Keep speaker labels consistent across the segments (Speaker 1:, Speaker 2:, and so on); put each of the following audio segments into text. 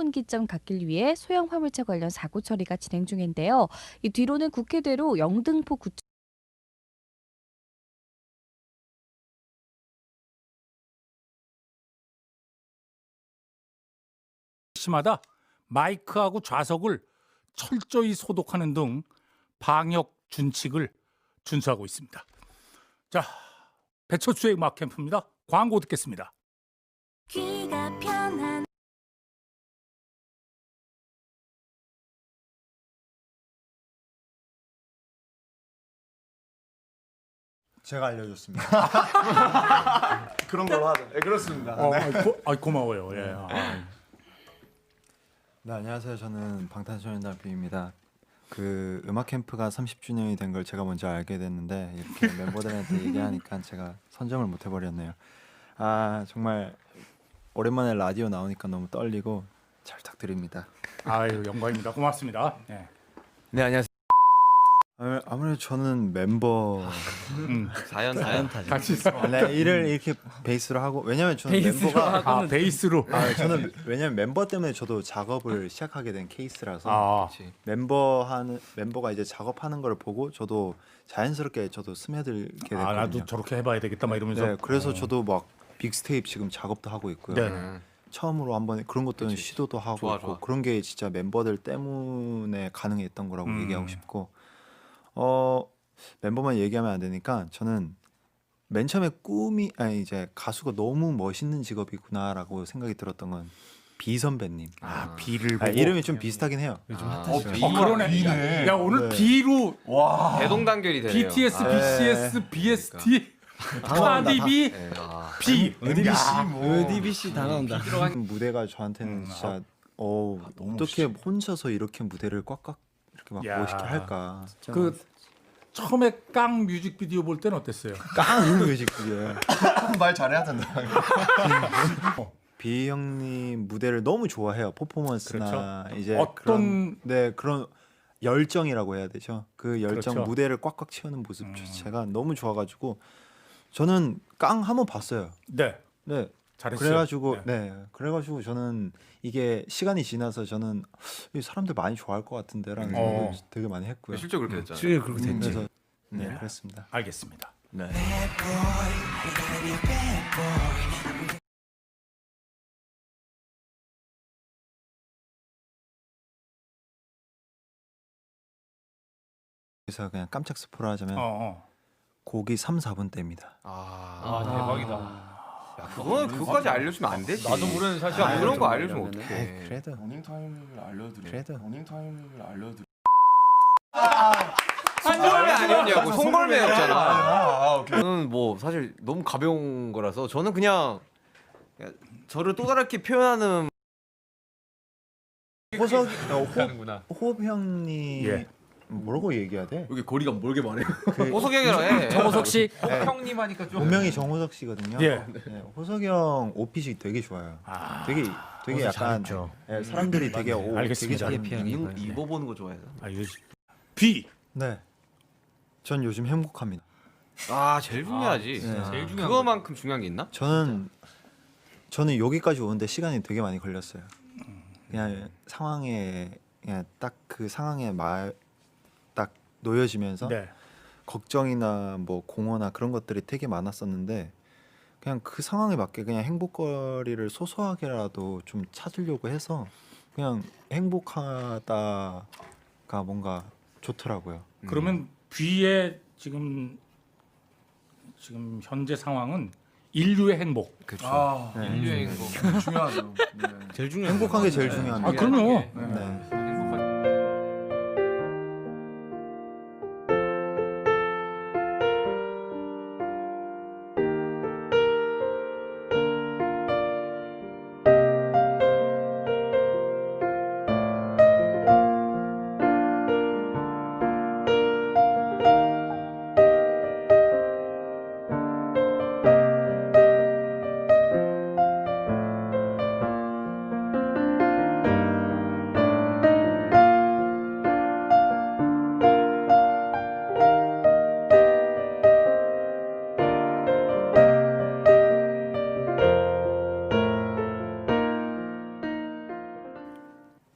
Speaker 1: 분기점 갖기 위해 소형 화물차 관련 사고 처리가 진행 중인데요. 이 뒤로는 국회대로 영등포 구청
Speaker 2: 시마다 마이크하고 좌석을 철저히 소독하는 등 방역 준칙을 준수하고 있습니다. 자, 배철수의 음악 캠프입니다. 광고 듣겠습니다.
Speaker 3: 귀가 편한
Speaker 4: 제가 알려줬습니다. 그런 걸로 하죠. 네, 그렇습니다.
Speaker 2: 고마워요. 예.
Speaker 4: 네, 안녕하세요. 저는 방탄소년단 B입니다. 그 음악 캠프가 30주년이 된 걸 제가 먼저 알게 됐는데 이렇게 멤버들한테 얘기하니까 제가 선점을 못 해버렸네요. 아 정말 오랜만에 라디오 나오니까 너무 떨리고 잘 부탁드립니다.
Speaker 2: 아유 영광입니다. 고맙습니다. 예.
Speaker 5: 네 안녕하세요.
Speaker 4: 아무래도 저는 멤버
Speaker 5: 사연 타죠.
Speaker 2: 같이
Speaker 4: 네, 일을 이렇게 베이스로 하고 왜냐면 저는 멤버가
Speaker 2: 베이스로.
Speaker 4: 저는 왜냐면 멤버 때문에 저도 작업을 시작하게 된 케이스라서
Speaker 2: 아,
Speaker 4: 멤버가 이제 작업하는 걸 보고 저도 자연스럽게 저도 스며들게 됐거든요.
Speaker 2: 아 나도 저렇게 해봐야 되겠다 막 이러면서.
Speaker 4: 네, 그래서 저도 막 빅스테이프 지금 작업도 하고 있고요.
Speaker 2: 네.
Speaker 4: 처음으로 한번 그런 것들은 시도도 하고
Speaker 5: 좋아,
Speaker 4: 있고
Speaker 5: 좋아.
Speaker 4: 그런 게 진짜 멤버들 때문에 가능했던 거라고 얘기하고 싶고 멤버만 얘기하면 안 되니까 저는 맨 처음에 이제 가수가 너무 멋있는 직업이구나라고 생각이 들었던 건 비 선배님.
Speaker 2: 비를 보고.
Speaker 4: 이름이 좀 비슷하긴 해요.
Speaker 2: 그러네. 야 오늘
Speaker 4: 네.
Speaker 2: 비로
Speaker 5: 대동단결이 되네요.
Speaker 2: BTS, BCS, BST, 카디비,
Speaker 5: 네,
Speaker 2: 비.
Speaker 6: DBC 다 나온다.
Speaker 4: 무대가 저한테는 진짜 어떻게 혼자서 이렇게 무대를 꽉꽉 이렇게 막
Speaker 2: 야.
Speaker 4: 멋있게 할까.
Speaker 2: 그 처음에 깡 뮤직비디오 볼 때는 어땠어요?
Speaker 4: 깡 뮤직비디오.
Speaker 6: 말 잘해야 된다.
Speaker 4: 비 형님 무대를 너무 좋아해요. 퍼포먼스나 이제
Speaker 2: 어떤-
Speaker 4: 그런 열정이라고 해야 되죠. 그 열정
Speaker 2: 그렇죠.
Speaker 4: 무대를 꽉꽉 채우는 모습 자체가 너무 좋아가지고 저는 깡 한번 봤어요.
Speaker 2: 네,
Speaker 4: 네.
Speaker 2: 잘했어요.
Speaker 4: 그래가지고 저는 이게 시간이 지나서 저는 이 사람들 많이 좋아할 것 같은데라는 생각을 되게 많이 했고요.
Speaker 5: 실제 그렇게 됐잖아요.
Speaker 6: 그렇게 됐지.
Speaker 4: 그래서 네,
Speaker 2: 네.
Speaker 4: 그랬습니다.
Speaker 2: 알겠습니다.
Speaker 4: 네. 그래서 그냥 깜짝 스포를 하자면 곡이 3, 4분 때입니다.
Speaker 5: 대박이다. 야, 그거까지 알려주면 안 되지.
Speaker 6: 나도 모르는 사실
Speaker 5: 그런 거 알려주면 어떡해.
Speaker 4: 네, 그래도
Speaker 7: 러닝 타이밍을 알려드려.
Speaker 4: 그래도.
Speaker 7: 러닝 타이밍을 알려드려.
Speaker 5: 송골매 아니었냐고. 송골매였잖아.
Speaker 7: 오케이.
Speaker 5: 저는 뭐 사실 너무 가벼운 거라서 저는 그냥 저를 또 다르게 표현하는
Speaker 4: 호흡 형님
Speaker 2: 예.
Speaker 4: 뭐라고 얘기해야 돼?
Speaker 5: 여기 거리가 멀게 말해. 호석 형이라 해.
Speaker 1: 정호석 씨
Speaker 5: 형님 하니까 좀.
Speaker 4: 본명이 정호석 씨거든요.
Speaker 2: 예.
Speaker 4: 네, 호석 형 옷핏이 되게 좋아요. 되게 약간 사람들이 되게
Speaker 2: 알겠습니다.
Speaker 4: 되게 잘
Speaker 5: 입어보는 거 좋아해서.
Speaker 2: 비.
Speaker 4: 네. 전 요즘 행복합니다.
Speaker 5: 제일 중요하지.
Speaker 4: 제일
Speaker 5: 중요한 그거만큼 중요한 게 있나?
Speaker 4: 저는 여기까지 오는데 시간이 되게 많이 걸렸어요. 그냥 상황에 그냥 딱 그 상황에 딱 놓여지면서
Speaker 2: 네.
Speaker 4: 걱정이나 뭐 공허나 그런 것들이 되게 많았었는데 그냥 그 상황에 맞게 그냥 행복거리를 소소하게라도 좀 찾으려고 해서 그냥 행복하다가 뭔가 좋더라고요.
Speaker 2: 그러면 비의 지금 현재 상황은 인류의 행복.
Speaker 7: 아,
Speaker 4: 네.
Speaker 5: 인류의 행복.
Speaker 7: 중요하죠. 네.
Speaker 6: 제일 중요한
Speaker 4: 행복한 게 제일 중요합니다.
Speaker 2: 아 그럼요.
Speaker 4: 네.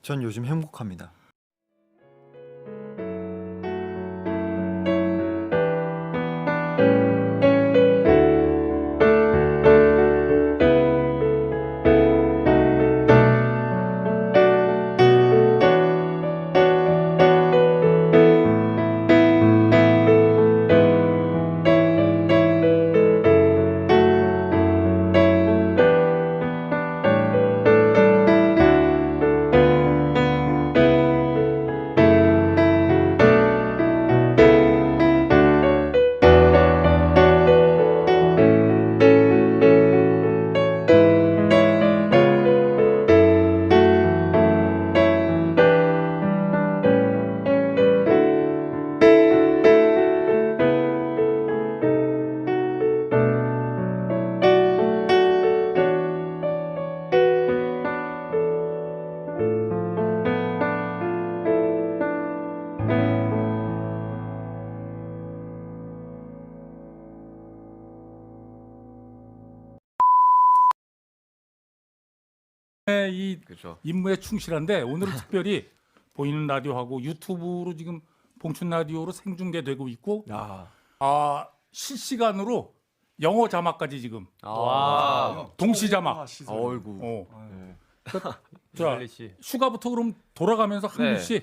Speaker 4: 전 요즘 행복합니다.
Speaker 2: 이
Speaker 5: 그렇죠.
Speaker 2: 임무에 충실한데 오늘은 특별히 보이는 라디오하고 유튜브로 지금 봉춘 라디오로 생중계되고 있고 실시간으로 영어 자막까지 지금 동시 자막.
Speaker 5: 어이구.
Speaker 2: 어.
Speaker 7: 네.
Speaker 2: 자, 슈가부터 그럼 돌아가면서 한
Speaker 5: 네.
Speaker 2: 분씩